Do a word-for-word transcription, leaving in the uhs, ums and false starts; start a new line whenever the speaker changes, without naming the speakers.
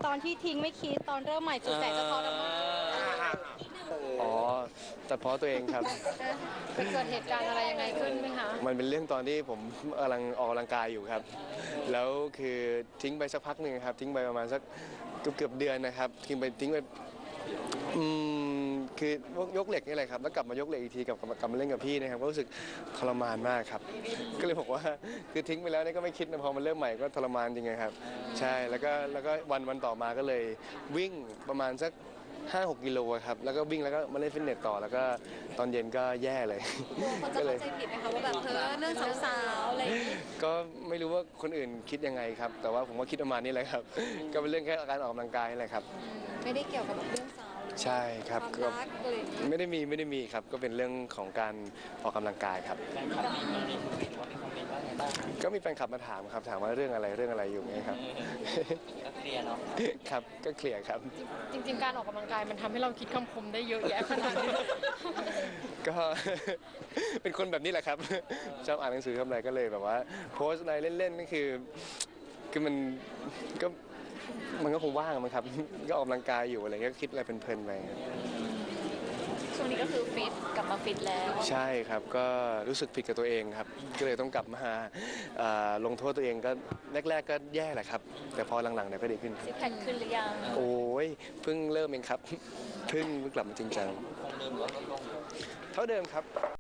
ตอนที่ทิ้งไม่คิดตอนเริ่มใหม่สุดแสนจะทรมาน
อ๋อตัดเพาะตัวเองครับ
ไปเกิดเหตุการณ์อะไรยังไงขึ้นไหมคะ
มันเป็นเรื่องตอนที่ผมกำลังออกกำลังกายอยู่ครับ แล้วคือทิ้งไปสักพักหนึ่งครับทิ้งไปประมาณสักเกือบเกือบเดือนนะครับทิ้งไปทิ้งไปอืมคือยกเหล็กนี่แหละครับแล้วกลับมายกเหล็กอีกทีกับกลับมาเล่นกับพี่นะครับก็รู้สึกทรมานมากครับ ก็เลยบอกว่าคือทิ้งไปแล้วนี่ก็ไม่คิดนะพอมันเริ่มใหม่ก็ทรมานจริงๆครับใช่แล้วก็แล้วก็วันวันต่อมาก็เลยวิ่งประมาณสักห้าหกกิโลครับแล้วก็วิ่งแล้วก็มาเล่นฟิตเนสต่อแล้วก็ตอนเย็นก็แย่เลย
คนจะเข้าใจผิดไหมคะว่าแบบเธอเรื่องสาวๆอะไรอย่างนี้
ก็ไม่รู้ว่าคนอื่นคิดยังไงครับ แต่ว่าผมก็คิดประมาณนี้แหละครับ ก็เป็นเรื่องแค่การออกกำลังกายนี่แหละครับ
ไม่ได้เกี่ยวกับแบบเรื่องสาวหรือ
ใช่ครับ
ความ
ก็
รักอะไรอย่างนี้
ไม่ได้มีไม่ได้มีครับ ก็เป็นเรื่องของการออกกำลังกายครับ ก็มีแฟนคลับมาถามครับ ถามว่าเรื่องอะไรเรื่องอะไรอยู่ไงครับ
ก็เคลียร์เนาะ
ครับ ก็เคลียร์ครับ
จริง ๆ การออกกำลังกายมันทำให้เราคิดคำคมได้เยอะแยะขนาดนี้
ก็ เป็นคนแบบนี้แหละครับ ชอบอ่านหนังสือทำอะไรก็เลยแบบว่าโพสต์อะไรเล่นๆนี่คือคือมันก็มันก็คงว่างมั้งครับ ก็ออกกำลังกายอยู่อะไรเงี้ยก็คิดอะไรเพลินๆไป
ช่วงนี้ก็คือฟิตกลับมาฟิตแล้ว
ใช่ครับก็รู้สึกผิดกับตัวเองครับ ก็เลยต้องกลับมาอ่าลงโทษตัวเองก็แรก ๆ ก็แย่แหละครับ แต่พอหลังๆเนี่ยก็ดีขึ้น
ซิกแพคขึ้นหรือยัง
โอ้ยเพิ่งเริ่มเองครับ เพิ่งกลับมาจริงจัง
คงเดิมหรือว่าลดลง
เท่าเดิมครับ